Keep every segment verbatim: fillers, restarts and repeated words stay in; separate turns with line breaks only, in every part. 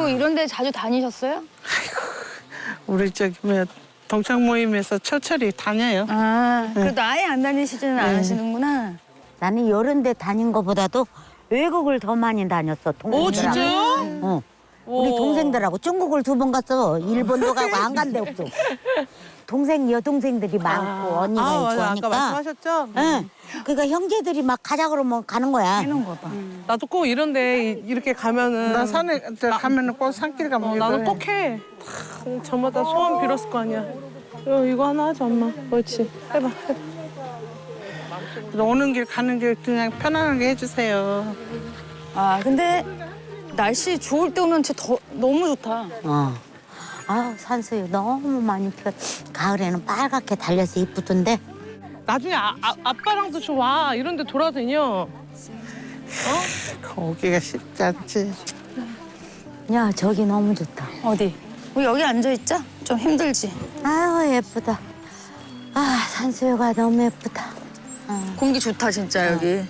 뭐 이런 데 자주 다니셨어요?
우리 저기 뭐야 동창 모임에서 철철이 다녀요.
아, 그래도 아예 안 다니시지는
네.
않으시는구나.
나는 이런 데 다닌 것보다도 외국을 더 많이 다녔어. 동생들하고.
오 진짜요?
어. 우리 동생들하고 중국을 두 번 갔어. 일본도 가고 안 간 데 없어. 동생 여동생들이 많고 언니가
아
있고
맞아
하니까.
아까 말씀하셨죠?
응. 그러니까 형제들이 막 가자 그러면 가는 거야.
해놓은 거 봐.
나도 꼭 이런데 이렇게 가면은
나 산에 저 가면은 꼭 산길 가면
어,
이거
나도
해.
꼭 해. 다 저마다 소원 빌었을 거 아니야. 이거, 이거 하나 하자 엄마. 그렇지. 해봐. 해봐.
오는 길 가는 길 그냥 편안하게 해주세요.
아, 근데 날씨 좋을 때 오면 진짜 더, 너무 좋다.
어. 아우 산수유 너무 많이 펴. 가을에는 빨갛게 달려서 이쁘던데.
나중에 아, 아, 아빠랑도 좀 와. 이런데 돌아다녀.
거기가 쉽지 않지.
야 저기 너무 좋다.
어디? 우리 여기 앉아있자? 좀 힘들지?
아유 예쁘다. 아 산수유가 너무 예쁘다. 어.
공기 좋다, 진짜, 여기.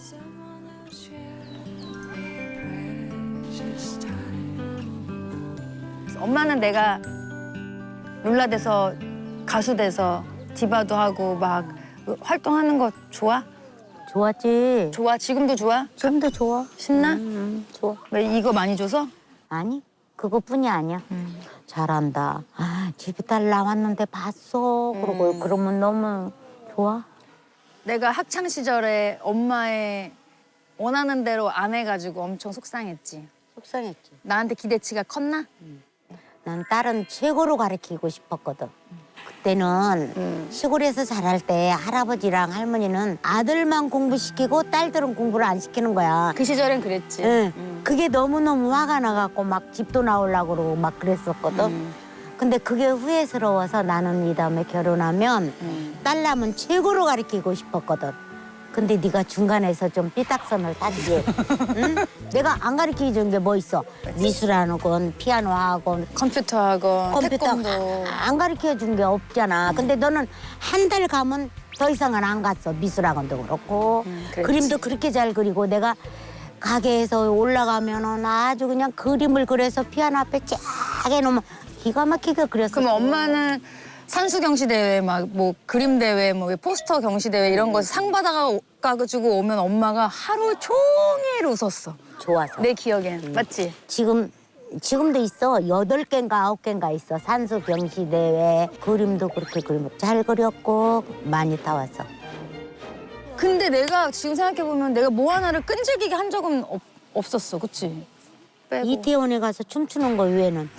엄마는 내가 룰라 돼서 가수 돼서 디바도 하고 막 활동하는 거 좋아?
좋았지.
좋아? 지금도 좋아?
지금도 좋아.
신나?
음, 좋아.
왜 이거 많이 줘서?
아니 그것뿐이 아니야. 잘한다. 아 집에 딸 나왔는데 봤어. 그러고 그러면 너무 좋아.
내가 학창 시절에 엄마의 원하는 대로 안 해가지고 엄청 속상했지.
속상했지.
나한테 기대치가 컸나?
난 딸은 최고로 가르치고 싶었거든. 그때는 시골에서 자랄 때 할아버지랑 할머니는 아들만 공부시키고 딸들은 공부를 안 시키는 거야.
그 시절엔 그랬지.
응. 그게 너무너무 화가 나갖고 막 집도 나오려고 그러고 막 그랬었거든.
음.
근데 그게 후회스러워서 나는 이 다음에 결혼하면
음.
딸 낳으면 최고로 가르치고 싶었거든. 근데 네가 중간에서 좀 삐딱선을 탔지. 응? 내가 안 가르쳐 준 게 뭐 있어? 미술학원, 피아노 학원,
컴퓨터 학원,
컴퓨터
태권도.
안 가르쳐 준 게 없잖아. 근데 너는 한 달 가면 더 이상은 안 갔어. 미술학원도 그렇고
음, 그랬지.
그림도 그렇게 잘 그리고 내가 가게에서 올라가면은 아주 그냥 그림을 그려서 피아노 앞에 쫙 해놓으면 기가 막히게 그렸어.
그럼 엄마는 산수 경시 대회, 막 뭐 그림 대회, 뭐 포스터 경시 대회 이런 거 상 받아가지고 오면 엄마가 하루 종일 웃었어.
좋아서.
내 기억엔 맞지?
지금 지금도 있어. 여덟 개인가 아홉 개인가 있어. 산수 경시 대회 그림도 그렇게 그림 잘 그렸고 많이 타왔어.
근데 내가 지금 생각해 보면 내가 뭐 하나를 끈질기게 한 적은 없, 없었어, 그치? 빼고.
이태원에 가서 춤추는 거 외에는.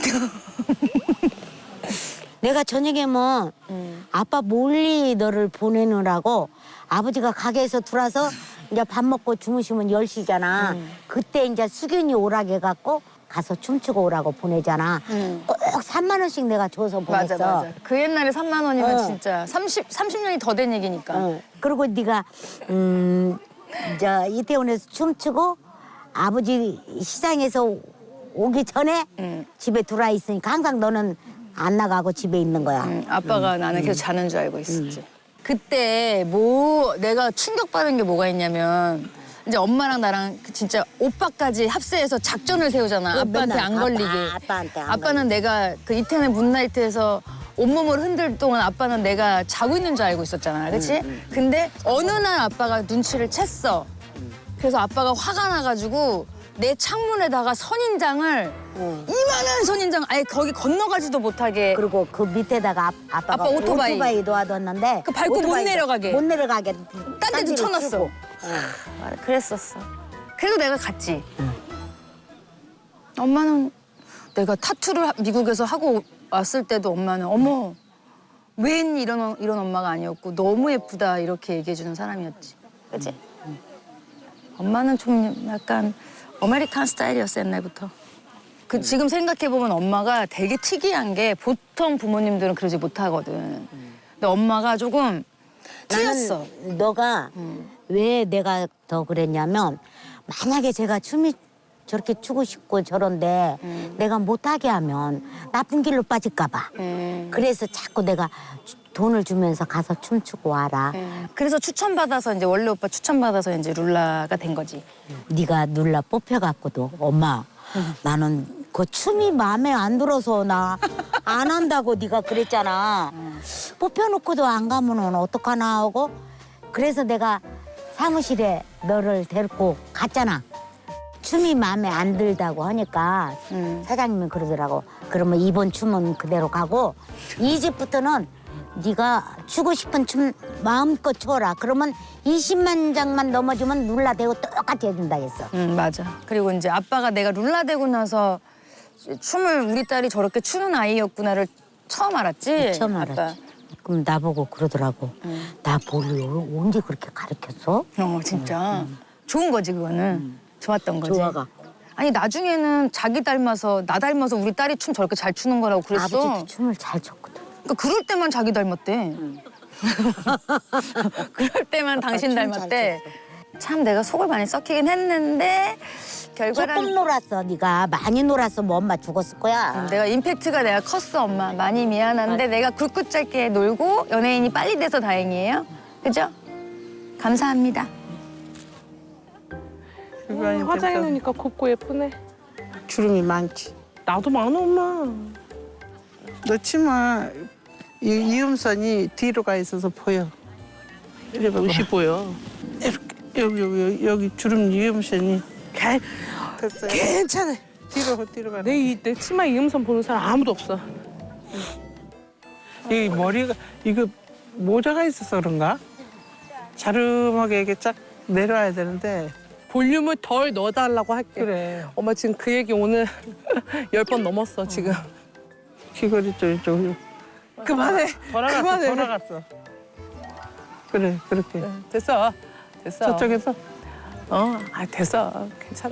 내가 저녁에 뭐
음.
아빠 몰리 너를 보내느라고 아버지가 가게에서 들어와서 이제 밥 먹고 주무시면 열 시잖아.
음.
그때 이제 수균이 오라게 해갖고 가서 춤추고 오라고 보내잖아.
음.
꼭 삼만 원씩 내가 줘서 보냈어.
맞아, 맞아. 그 옛날에 삼만 원이면
어.
진짜 삼십, 삼십 년이 더 된 얘기니까.
어. 그리고 네가 음, 저 이태원에서 춤추고 아버지 시장에서 오기 전에
음.
집에 들어와 있으니까 항상 너는 안 나가고 집에 있는 거야.
음, 아빠가 나는 계속 자는 줄 알고 있었지. 그때 뭐 내가 충격받은 게 뭐가 있냐면 이제 엄마랑 나랑 그 진짜 오빠까지 합세해서 작전을 세우잖아.
그거
아빠한테
맨날
안
아빠,
걸리게.
아빠한테 안
아빠는 내가 그 이태원의 문나이트에서 온몸을 흔들 동안 아빠는 내가 자고 있는 줄 알고 있었잖아. 그치? 근데 어느 날 아빠가 눈치를 챘어. 그래서 아빠가 화가 나가지고 내 창문에다가 선인장을
응.
이만한 선인장 아예 거기 건너가지도 못하게
그리고 그 밑에다가 아, 아빠가
아빠 오토바이.
오토바이 놓아뒀는데
그 밟고 못
오토바이도
내려가게.
못 내려가게
딴 데도
딴지를
쳐놨어.
치고.
맞아, 그랬었어. 그래도 내가 갔지. 엄마는 내가 타투를 하- 미국에서 하고 왔을 때도 엄마는 어머 웬 이런 어- 이런 엄마가 아니었고 너무 예쁘다 이렇게 얘기해주는 사람이었지. 그치? 엄마는 좀 약간 아메리칸 스타일이었어 옛날부터. 그 지금 생각해 보면 엄마가 되게 특이한 게 보통 부모님들은 그러지 못하거든. 근데 엄마가 조금 튀었어.
나는 너가 왜 내가 더 그랬냐면 만약에 제가 춤이 저렇게 추고 싶고 저런데 내가 못하게 하면 나쁜 길로 빠질까 봐.
음.
그래서 자꾸 내가 주- 돈을 주면서 가서 춤추고 와라.
그래서 추천받아서 이제 원래 오빠 추천받아서 이제 룰라가 된 거지.
네가 눌러 뽑혀갖고도 엄마 나는 그 춤이 마음에 안 들어서 나 안 한다고 네가 그랬잖아. 뽑혀놓고도 안 가면은 어떡하나 하고 그래서 내가 사무실에 너를 데리고 갔잖아. 춤이 마음에 안 들다고 하니까
음.
사장님이 그러더라고. 그러면 이번 춤은 그대로 가고 이 집부터는 네가 추고 싶은 춤 마음껏 춰라. 그러면 이십만 장만 넘어주면 룰라대고 똑같이 해준다 했어.
응 맞아. 그리고 이제 아빠가 내가 룰라되고 나서 춤을 우리 딸이 저렇게 추는 아이였구나를 처음 알았지.
처음
아빠.
알았지. 그럼 나보고 그러더라고.
응.
나 뭘 언제 그렇게 가르쳤어?
어 진짜 좋은 거지 그거는. 좋았던 거지.
좋아갖고.
아니 나중에는 자기 닮아서 나 닮아서 우리 딸이 춤 저렇게 잘 추는 거라고 그랬어.
아버지도 춤을 잘 췄거든.
그러니까 그럴 때만 자기 닮았대. 그럴 때만 당신
춤
닮았대. 참 내가 속을 많이 썩히긴 했는데 결과는
조금 놀았어. 네가 많이 놀았어. 뭐 엄마 죽었을 거야.
내가 임팩트가 내가 컸어 엄마. 많이 미안한데 내가 굵고 짧게 놀고 연예인이 빨리 돼서 다행이에요. 그죠? 감사합니다.
그거 아닌데
음, 화장해 놓으니까 곱고 예쁘네.
주름이 많지.
나도 많아 엄마.
너 치마 이 이음선이 뒤로 가 있어서 보여. 이래 봐.
옷이 보여.
이렇게 여기 여기 여기, 여기 주름 이음선이
개,
됐어요.
괜찮아.
뒤로 뒤로 가.
내, 이, 내 치마 이음선 보는 사람 아무도 없어.
이 머리가 이거 모자가 있어서 그런가? 자름하게 이렇게 쫙 내려와야 되는데.
볼륨을 덜 넣어달라고 할게.
그래.
엄마 지금 그 얘기 오늘 열 번 넘었어 지금.
귀걸이 쪽 이쪽.
그만해.
돌아갔어.
그만해.
돌아갔어. 그래 그렇게.
됐어. 됐어.
저쪽에서
어, 아 됐어. 괜찮아.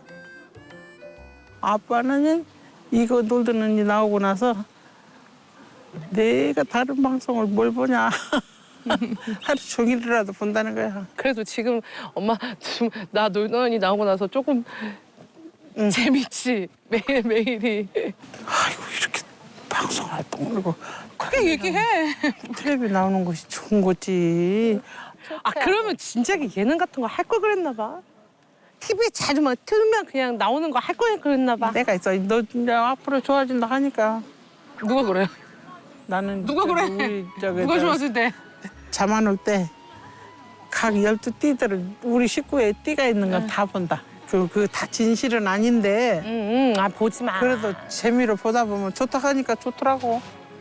아빠는 이거 놀던 언니 나오고 나서 내가 다른 방송을 뭘 보냐. 하루 종일이라도 본다는 거야.
그래도 지금 엄마 좀 나 놀던 언니 나오고 나서 조금
응.
재밌지. 매일 매일이.
아이고 이렇게 방송 활동을 하고
크게 얘기해.
텔레비 나오는 것이 좋은 거지.
아 그러면 진짜 예능 같은 거 할 걸 그랬나 봐. 티비에 자주 막 틀면 그냥 나오는 거 할 걸 그랬나 봐.
내가 있어. 너 이제 앞으로 좋아진다 하니까
누가 그래?
나는
누가
저기
그래?
우리 저기
누가
저
좋았을 때?
잠 안 올 때 각 열두 띠들을 우리 식구에 띠가 있는 건 다 본다. 그 그 다 진실은 아닌데
응응. 아 보지 마.
그래도 재미로 보다 보면 좋다 하니까 좋더라고.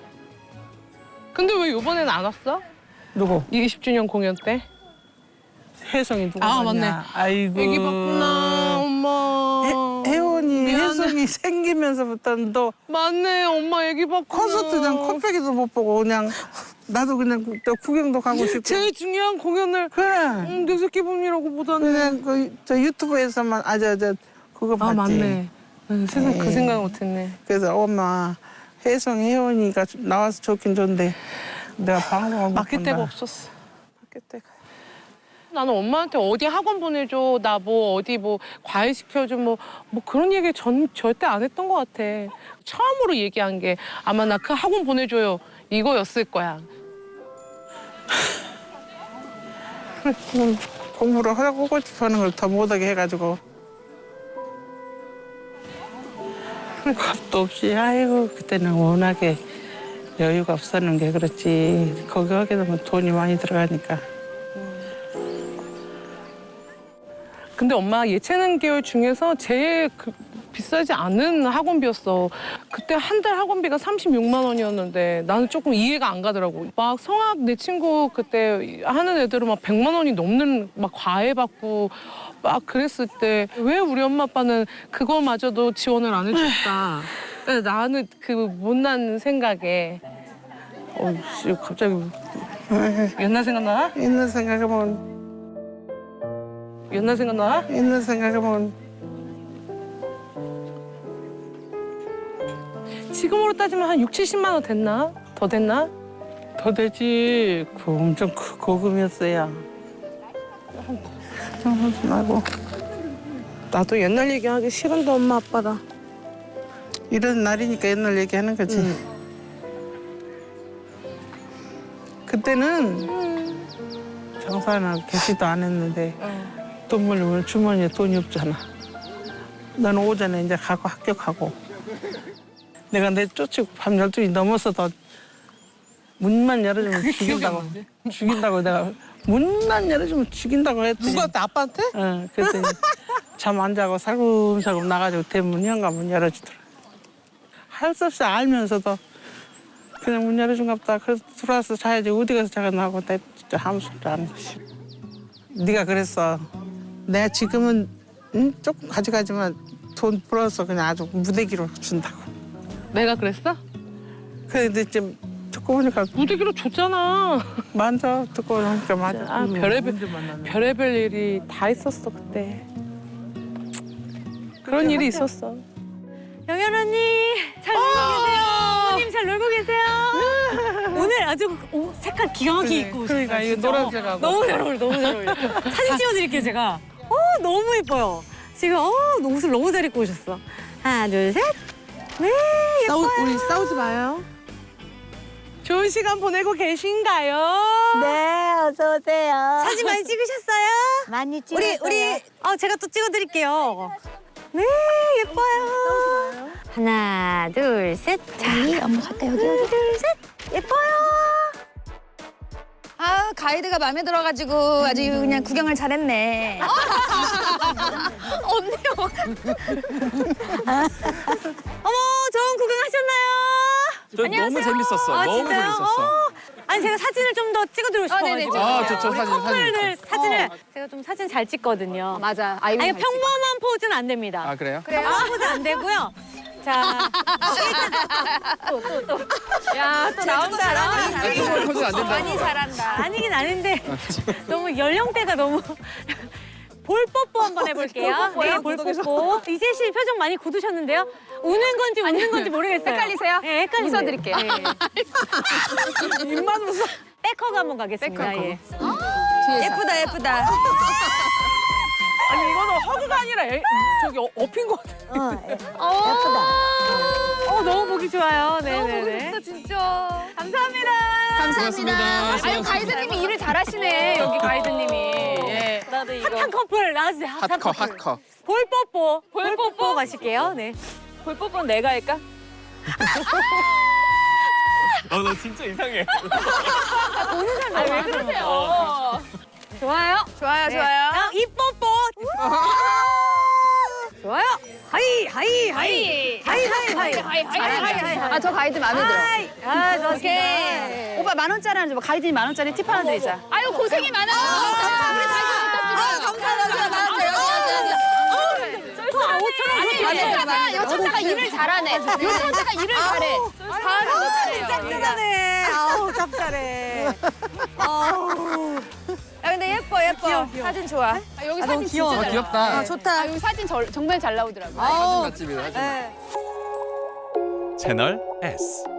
근데 왜 이번에는 안 왔어?
누구?
이십 주년 공연 때?
혜성이 누가
아,
봤냐?
맞네.
아이고.
애기 봤구나 엄마.
해, 혜원이
미안해.
혜성이 생기면서부터는 너
맞네 엄마 애기 봤구나.
콘서트장 코빼기도 못 보고 그냥 나도 그냥 구- 저 구경도 가고 싶고.
제일 중요한 공연을
그래.
응, 내 새끼 분이라고 보다는.
그냥 그 저 유튜브에서만 아 저 저 그거 봤지.
아 맞네. 응, 세상 그
에이.
생각 못했네.
그래서 엄마 혜성 혜원이가 나와서 좋긴 좋은데 내가 방송을 못
맡길
본다.
데가 없었어. 맡길 데가. 나는 엄마한테 어디 학원 보내줘, 나 뭐 어디 뭐 과외 시켜줘, 뭐, 뭐 그런 얘기 전 절대 안 했던 것 같아. 처음으로 얘기한 게 아마 나 그 학원 보내줘요 이거였을 거야.
공- 공부를 하고 싶어하는 걸 더 못하게 해가지고 겁도 없이 아이고 그때는 워낙에 여유가 없었는 게 그렇지. 거기 하게 되면 돈이 많이 들어가니까.
근데 엄마 예체능 계열 중에서 제일 그 비싸지 않은 학원비였어. 그때 한 달 학원비가 삼십육만 원이었는데 나는 조금 이해가 안 가더라고. 막 성악 내 친구 그때 하는 애들은 막 백만 원이 넘는 막 과외 받고 막 그랬을 때 왜 우리 엄마 아빠는 그거마저도 지원을 안 해줬다. 그래서 나는 그 못난 생각에 어, 씨, 갑자기 옛날 생각나?
있는 생각하면
옛날 생각나?
있는 생각하면
지금으로 따지면 한 육칠십만 원 됐나? 더 됐나?
더 되지. 그 엄청 그 고금이었어야. 하고
나도 옛날 얘기하기 싫은데 엄마 아빠랑.
이런 날이니까 옛날 얘기하는 거지. 그때는 장사나 개시도 안 했는데 돈 벌려면 주머니에 돈이 없잖아. 나는 오전에 이제 가고 학교 가고 내가 내 쫓고 밤 열두 시 넘어서도 문만 열어주면 죽인다고. 죽인다고 내가 문만 열어주면 죽인다고 했더니.
누구한테? 아빠한테?
응, 그랬더니 잠 안 자고 살금살금 나가지고 대문 현관문 열어주더라. 할 수 없이 알면서도 그냥 문 열어준가 보다. 그래서 들어와서 자야지 어디 가서 자겠나 하고 내 진짜 아무 소리도 안 했어. 네가 그랬어. 내가 지금은 응? 조금 가져가지만 돈 벌어서 그냥 아주 무대기로 준다고.
내가 그랬어?
근데 지금 듣고 보니까
무대기로 줬잖아.
맞아. 듣고 보니까 맞아.
아, 별의별, 별의별 일이 다 있었어, 그때. 그런 일이 있었어.
영현 언니 잘 놀고 계세요. 어머님 잘 놀고 계세요. 오늘 아주 오, 색깔 기가 막히게 입고 오셨어요.
그러니까 이거
진짜.
노란색하고.
너무 잘 어울려, 너무 잘 어울려. 사진 찍어드릴게요 제가. 어 너무 예뻐요. 지금 어 옷을 너무 잘 입고 오셨어. 하나 둘 셋. 네
싸우,
예뻐요.
우리 싸우지 마요. 좋은 시간 보내고 계신가요?
네, 어서 오세요.
사진 많이 찍으셨어요?
많이 찍었어요.
우리 우리 어 제가 또 찍어드릴게요. 네 예뻐요. 하나 둘 셋. 자
엄마 갔다 여기.
하나 둘 셋. 예뻐요.
아 가이드가 마음에 들어가지고 아주 그냥 구경을 잘했네.
어머, 좋은 구경하셨나요?
저 너무 재밌었어.
아,
너무
진짜요?
재밌었어.
어. 아니 제가 사진을 좀 더 찍어드리고 싶어가지고.
아, 저, 저
우리
사진,
커플들
사진.
사진을 제가 좀 사진 잘 찍거든요.
맞아. 아이고.
아니 평범한 포즈는 안 됩니다.
아, 그래요?
평범한 포즈 안 되고요. 자, 또 또 또. 야, 또 나온다.
아, 정말 포즈 안 된다.
많이 잘한다.
아니긴 아닌데 너무 연령대가 너무. 볼 뽀뽀 한번 해볼게요. 네, 볼 뽀뽀. 이재 씨 표정 많이 굳으셨는데요. 우는 건지 웃는 건지 모르겠어요.
헷갈리세요?
네, 헷갈리세요.
웃어드릴게요.
네. 입만 웃어. 백허그 한번 가겠습니다. 예.
예쁘다 예쁘다.
아니, 이거는 허그가 아니라 애, 저기 어, 업힌 거 같아.
어, 예.
어, 너무 보기 좋아요. 네네네.
진짜.
감사합니다.
감사합니다. 아유 가이드님이 일을 잘하시네 여기 가이드님이. 예.
나도 이거. 핫한 커플 나와주세요. 핫한
핫커,
커플.
핫커.
볼 뽀뽀. 볼 뽀뽀 가실게요. 네.
볼 뽀뽀는 내가 할까?
어, 너 진짜 이상해.
아 왜 그러세요?
좋아요.
좋아요
네.
좋아요.
다음 입 뽀뽀. 좋아요. 하이 하이 하이 하이 하이 하이
하이 하이 하이. 아저 가이드 마음에 들어.
하이. 아 좋습니다.
오케이. 오빠 만 원짜리 하나 줘. 가이드님 만 원짜리 팁 하나 드리자. 아유 고생이 많아요. 우리 가이드 감사합니다. 만 원짜리 여기 여기 여기. 아니 여차가 여차가 일을 잘하네. 여차가 일을 잘해. 잘해.
짭짤하네. 아우 짭짤해. 아우.
야 근데 예뻐 예뻐. 사진 좋아. 아, 여기 사진 진짜
아,
잘 나와.
귀엽다.
아, 좋다. 아, 여기 사진 저, 정말 잘 나오더라고.
사진 맛집이다, 사진 맛집.
네.
채널 에스.